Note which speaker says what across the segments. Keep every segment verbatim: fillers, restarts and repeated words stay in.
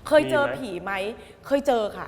Speaker 1: เคยเจอผีไหมเคยเจอค่ะ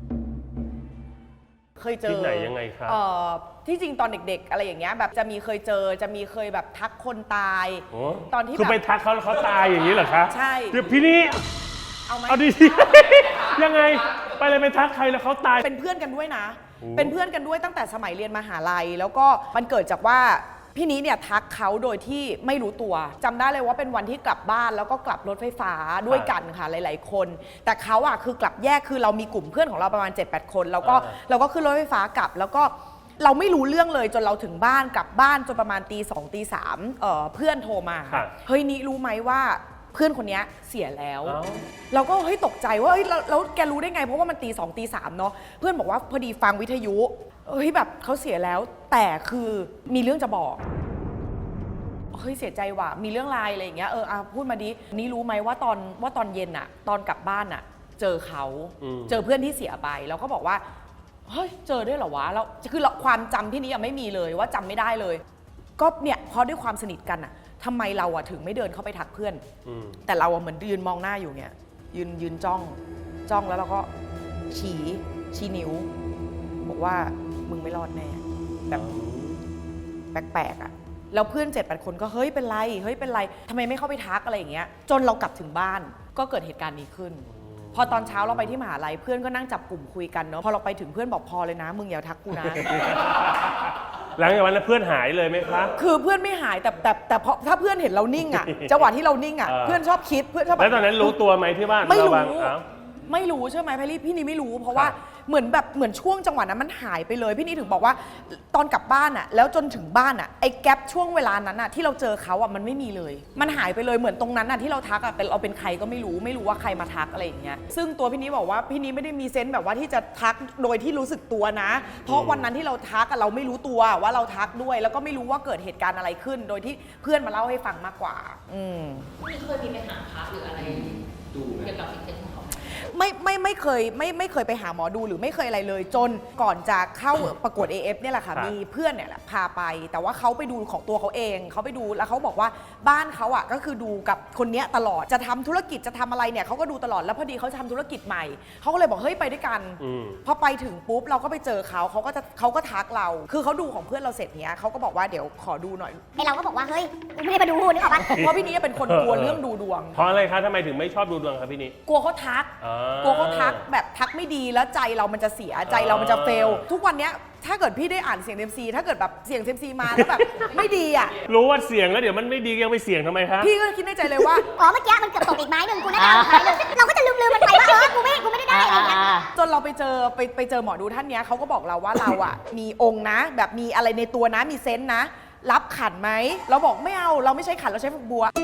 Speaker 1: เคยเจอที่
Speaker 2: ไหนยังไงครับ
Speaker 1: ที่จริงตอนเด็กๆอะไรอย่างเงี้ยแบบจะมีเคยเจอจะมีเคยแบบทักคนตายตอนที่
Speaker 2: คือไปทักเขาแล้วเขาตายอย่างนี้เหรอคะ
Speaker 1: ใช่
Speaker 2: เดี๋ยวพี่นี่
Speaker 1: เอาไหม
Speaker 2: เอาดียังไงไปเลยไปทักใครแล้วเขาตาย
Speaker 1: เป็นเพื่อนกันด้วยนะเป็นเพื่อนกันด้วยตั้งแต่สมัยเรียนมหาลัยแล้วก็มันเกิดจากว่าพี่นี้เนี่ยทักเขาโดยที่ไม่รู้ตัวจำได้เลยว่าเป็นวันที่กลับบ้านแล้วก็กลับรถไฟฟ้าด้วยกันค่ะหลายๆคนแต่เขาอ่ะคือกลับแยกคือเรามีกลุ่มเพื่อนของเราประมาณ เจ็ดแปด คนแล้วก็เราก็ขึ้นรถไฟฟ้ากลับแล้วก็เราไม่รู้เรื่องเลยจนเราถึงบ้านกลับบ้านจนประมาณตีสองตีสามเอ่อเพื่อนโทรมาเฮ้ยนี่รู้ไหมว่าเพื่อนคนนี้เสียแล้วเราก็เฮ้ยตกใจว่าเฮ้ยแล้วแกรู้ได้ไงเพราะว่ามันตีสองตีสามเนาะเพื่อนบอกว่าพอดีฟังวิทยุเฮ้ยแบบเขาเสียแล้วแต่คือมีเรื่องจะบอกเฮ้ยเสียใจว่ะมีเรื่องอะไรอะไรอย่างเงี้ยเอออ่ะพูดมาดินี่รู้ไหมว่าตอนว่าตอนเย็นอะตอนกลับบ้านอะเจอเขาเจอเพื่อนที่เสียไปแล้วก็บอกว่าเฮ้ยเจอด้วยเหรอวะแล้วคือความจำที่นี้ยังไม่มีเลยว่าจำไม่ได้เลยก็เนี่ยพอด้วยความสนิทกันอะทำไมเราอะถึงไม่เดินเข้าไปทักเพื่อนแต่เราอะเหมือนยืนมองหน้าอยู่เนี่ยยืนยืนจ้องจ้องแล้วเราก็ชี้ชี้นิ้วบอกว่ามึงไม่รอดแน่แบบแปลกๆอะแล้วเพื่อนเจ็ดแปดคนก็เฮ้ยเป็นไรเฮ้ยเป็นไรทำไมไม่เข้าไปทักอะไรอย่างเงี้ยจนเรากลับถึงบ้านก็เกิดเหตุการณ์นี้ขึ้นพอตอนเช้าเราไปที่มหาลัยเพื่อนก็นั่งจับกลุ่มคุยกันเนาะพอเราไปถึงเพื่อนบอกพอเลยนะมึงอย่าทักกูนะ
Speaker 2: หลังจากวันนั้นเพื่อนหายเลยไหมคะ
Speaker 1: คือเพื่อนไม่หายแต่แต่แต่พอถ้าเพื่อนเห็นเรานิ่งอ่ะจังหวะที่เรานิ่งอ่ะเพื่อนชอบคิดเพื่อนชอบ
Speaker 2: แล้วตอนนั้นรู้ตัวไหมที่บ้าน
Speaker 1: ไม่รู้ไม่รู้ใช่ไหมพี่ลี่พี่นี่ไม่รู้เพราะว่าเหมือนแบบเหมือนช่วงจังหวะนั้นมันหายไปเลยพี่นี่ถึงบอกว่าตอนกลับบ้านอ่ะแล้วจนถึงบ้านอ่ะไอ้แกลบช่วงเวลานั้นอ่ะที่เราเจอเขาอ่ะมันไม่มีเลยมันหายไปเลยเหมือนตรงนั้นอ่ะที่เราทักอ่ะเป็นเราเป็นใครก็ไม่รู้ไม่รู้ว่าใครมาทักอะไรอย่างเงี้ยซึ่งตัวพี่นี่บอกว่าพี่นี่ไม่ได้มีเซนส์แบบว่าที่จะทักโดยที่รู้สึกตัวนะเพราะวันนั้นที่เราทักอ่ะเราไม่รู้ตัวว่าเราทักด้วยแล้วก็ไม่รู้ว่าเกิดเหตุการณ์อะไรขึ้นโดยที่เพื่อนมาเล่าให้ฟังมากกว่าอืม
Speaker 3: พี่เคยมีไปหาพระหรืออะไรดูเกี่ยวกับสิ่งที่เขา
Speaker 1: ไม่ไม่ไม่เคยไม่ไม่เคยไปหาหมอดูหรือไม่เคยอะไรเลยจนก่อนจะเข้าประกวด เอ เอฟ เนี่ยแหละค่ะมีเพื่อนเนี่ยแหละพาไปแต่ว่าเขาไปดูของตัวเขาเองเขาไปดูแล้วเขาบอกว่าบ้านเขาอ่ะก็คือดูกับคนเนี้ยตลอดจะทำธุรกิจจะทำอะไรเนี่ยเขาก็ดูตลอดแล้วพอดีเขาทำธุรกิจใหม่เขาก็เลยบอกเฮ้ยไปด้วยกันพอไปถึงปุ๊บเราก็ไปเจอเขาเขาก็จะเขาก็ทักเราคือเขาดูของเพื่อนเราเสร็จเนี้ยเขาก็บอกว่าเดี๋ยวขอดูหน่อย
Speaker 4: ไอเราก็บอกว่าเฮ้ยไม่ได้มาดูนึกออกปะ
Speaker 1: เพราะพี่นี้เป็นคนกลัวเรื่องดูดวง
Speaker 2: เพราะอะไรคะทำไมถึงไม่ชอบดูดวงครับพี่นี้
Speaker 1: กลัวเขาทักกลัวเขาทักแบบทักไม่ดีแล้วใจเรามันจะเสียใจเรามันจะเฟลทุกวันเนี้ยถ้าเกิดพี่ได้อ่านเสียงเซมซีถ้าเกิดแบบเสียงเซมซีมาแล้วแบบไม่ดีอ่ะ
Speaker 2: รู้ว่าเสียงแล้วเดี๋ยวมันไม่ดียังไปเสียงทำไมคะ
Speaker 1: พี่ก็คิดในใจเลยว่า
Speaker 4: อ๋อเมื่อกี้มันเกือบตกอีกไม้หนึ่งกูน่าจะเอาไม้หนึ่งเราก็จะลืมลืมมันไปว่าเออกูไม่กูไม่ได้ได้อะไรอย่างเงี้ย
Speaker 1: จนเราไปเจอไปไปเจอหมอดูท่านเนี้ยเขาก็บอกเราว่าเราอ่ะมีองค์นะแบบมีอะไรในตัวนะมีเซนส์นะรับขันไหมเราบอกไม่เอาเราไม่ใช้ขันเราใช้ฝักบัว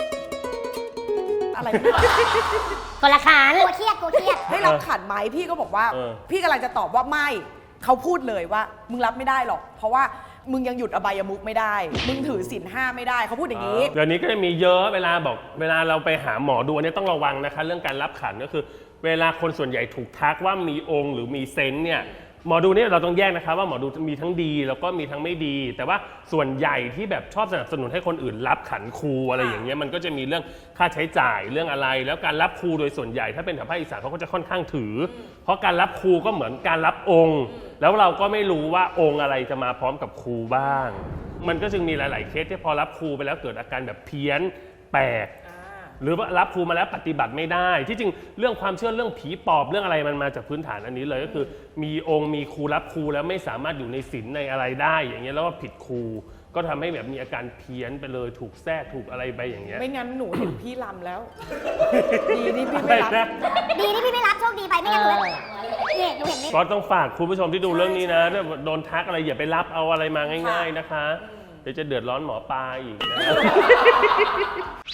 Speaker 1: อะไร
Speaker 4: คนละขันกูเครียดกูเครียด
Speaker 1: ให้รับขันไหมพี่ก็บอกว่าพี่กำลังจะตอบว่าไม่เขาพูดเลยว่ามึงรับไม่ได้หรอกเพราะว่ามึงยังหยุดอบายมุขไม่ได้มึงถือศีลห้าไม่ได้เขาพูดอย่างนี้
Speaker 2: เดี๋ยวนี้ก็จะมีเยอะเวลาบอกเวลาเราไปหาหมอดูอันนี้ต้องระวังนะคะเรื่องการรับขันก็คือเวลาคนส่วนใหญ่ถูกทักว่ามีองค์หรือมีเซนส์เนี่ยหมอดูนี่เราต้องแยกนะคะว่าหมอดูมีทั้งดีแล้วก็มีทั้งไม่ดีแต่ว่าส่วนใหญ่ที่แบบชอบสนับสนุนให้คนอื่นรับขันครูอะไรอย่างเงี้ยมันก็จะมีเรื่องค่าใช้จ่ายเรื่องอะไรแล้วการรับครูโดยส่วนใหญ่ถ้าเป็นแถวภาคอีสานเขาก็จะค่อนข้างถือเพราะการรับครูก็เหมือนการรับองค์แล้วเราก็ไม่รู้ว่าองค์อะไรจะมาพร้อมกับครูบ้างมันก็จึงมีหลายๆเคสที่พอรับครูไปแล้วเกิดอาการแบบเพี้ยนแปลกหรือว่ารับครูมาแล้วปฏิบัติไม่ได้ที่จริงเรื่องความเชื่อเรื่องผีปอบเรื่องอะไรมันมาจากพื้นฐานอันนี้เลยก็คือมีองค์มีครูรับครูแล้วไม่สามารถอยู่ในศีลในอะไรได้อย่างเงี้ยแล้วก็ผิดครูก็ทำให้แบบมีอาการเพี้ยนไปเลยถูกแทรกถูกอะไรไปอย่างเงี้ย
Speaker 1: ไม่งั้นหนูเห็นพี่ลำแล้วดีที่พี่ไม่รับ
Speaker 4: ดีที่พี่ไม่รับโชคดีไปไม่งั้นหนูเนี่ยหนูเห็น
Speaker 2: ก็ต้องฝากคุณผู้ชมที่ดูเรื่องนี้นะถ้าโดนทักอะไรอย่าไปรับเอาอะไรมาง่ายๆนะคะเดี๋ยวจะเดือดร้อนหมอปลาอีกนะ